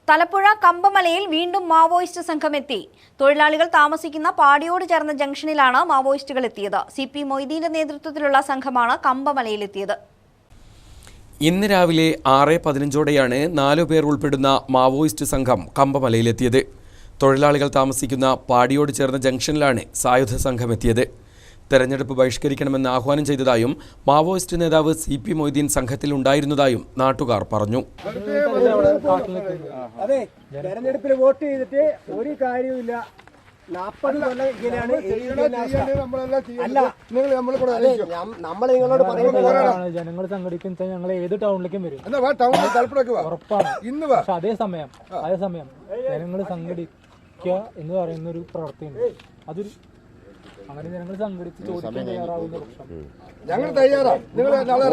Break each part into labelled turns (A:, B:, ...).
A: തലപ്പുഴ കമ്പമലയിൽ വീണ്ടും മാവോയിസ്റ്റ് സംഘം എത്തി. തൊഴിലാളികൾ താമസിക്കുന്ന പാടിയോട് ചേർന്ന ജംഗ്ഷനിലാണ് മാവോയിസ്റ്റുകൾ എത്തിയത്. CP മൊയ്തീന്റെ നേതൃത്വത്തിലുള്ള സംഘമാണ് കമ്പമലയിലെത്തിയത്.
B: ഇന്ന് രാവിലെ 6:15ഓടെയാണ് 4 പേർ ഉൾപ്പെടുന്ന മാവോയിസ്റ്റ് സംഘം കമ്പമലയിലെത്തിയത്. തൊഴിലാളികൾ താമസിക്കുന്ന പാടിയോട് ചേർന്ന ജംഗ്ഷനിലാണ് സായുധ സംഘം എത്തിയത്. തെരഞ്ഞെടുപ്പ് ബഹിഷ്കരിക്കണമെന്ന് ആഹ്വാനം ചെയ്തതായും മാവോയിസ്റ്റ് നേതാവ് CP മൊയ്തീൻ സംഘത്തിൽ ഉണ്ടായിരുന്നതായും നാട്ടുകാർ പറഞ്ഞു.
C: അതെ, തെരഞ്ഞെടുപ്പിൽ വോട്ട് ചെയ്തിട്ട് ഒരു കാര്യവുമില്ല. 40 കൊല്ലം ഇങ്ങനെയാണ്. നമ്മൾ നിങ്ങളോട് പറയുന്നത്
D: ജനങ്ങൾ സംഘടിക്കുന്ന ഞങ്ങൾ ഏത് ടൗണിലേക്കും വരും, ഉറപ്പാണ്. പക്ഷെ അതേസമയം ജനങ്ങൾ സംഘടിക്കുക എന്ന് പറയുന്ന ഒരു പ്രവൃത്തിയുണ്ട്. അതൊരു അങ്ങനെ ജനങ്ങൾ സംഘടിച്ച് ചോദിക്കാൻ തയ്യാറാവുന്ന പക്ഷം
E: ഞങ്ങൾ തയ്യാറാണ്. നിങ്ങൾ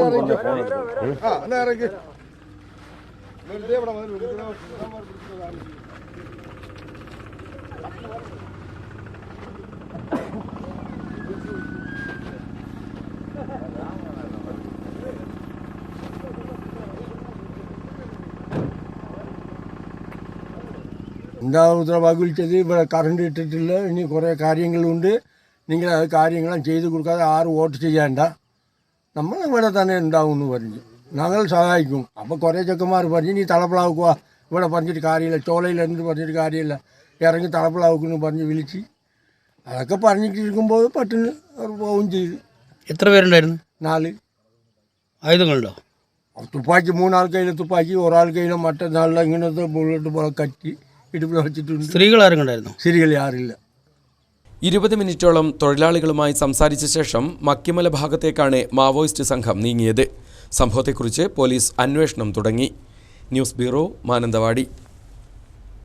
E: എന്താ ഉത്തരവാദി വിളിച്ചത്? ഇവിടെ കറണ്ട് ഇട്ടിട്ടില്ല, ഇനി കുറേ കാര്യങ്ങളുണ്ട്, നിങ്ങൾ അത് കാര്യങ്ങളും ചെയ്ത് കൊടുക്കാതെ ആരും വോട്ട് ചെയ്യേണ്ട, നമ്മൾ ഇവിടെ തന്നെ ഉണ്ടാവും എന്ന് പറഞ്ഞു. ഞങ്ങൾ സഹായിക്കും. അപ്പോൾ കുറേ ചെക്കന്മാർ പറഞ്ഞു നീ തളപ്പിളാക്കുക, ഇവിടെ പറഞ്ഞിട്ട് കാര്യമില്ല, ചോളയിൽ എന്ത് പറഞ്ഞിട്ട് കാര്യമില്ല, ഇറങ്ങി തളപ്പിളാക്കുമെന്ന് പറഞ്ഞ് വിളിച്ച് അതൊക്കെ പറഞ്ഞിട്ടിരിക്കുമ്പോൾ പെട്ടെന്ന് അവർ പോവുകയും ചെയ്തു.
F: എത്ര പേരുണ്ടായിരുന്നു?
E: 4.
F: ആയുധങ്ങളുണ്ടോ?
E: തുപ്പാക്കി 3 ആൾ കയ്യിൽ തുപ്പാക്കി, ഒരാൾ കയ്യിൽ മറ്റന്നാളിൽ ഇങ്ങനത്തെ ബുള്ളറ്റ് പോലെ കറ്റി ഇടുപ്പിൽ വെച്ചിട്ടുണ്ട്.
F: സ്ത്രീകൾ ആരും ഉണ്ടായിരുന്നു?
E: സ്ത്രീകൾ ആരില്ല.
B: 20 മിനിറ്റോളം തൊഴിലാളികളുമായി സംസാരിച്ച ശേഷം മക്കിമല ഭാഗത്തേക്കാണ് മാവോയിസ്റ്റ് സംഘം നീങ്ങിയത്. സംഭവത്തെക്കുറിച്ച് പോലീസ് അന്വേഷണം തുടങ്ങി. News bureau, Mananthavady.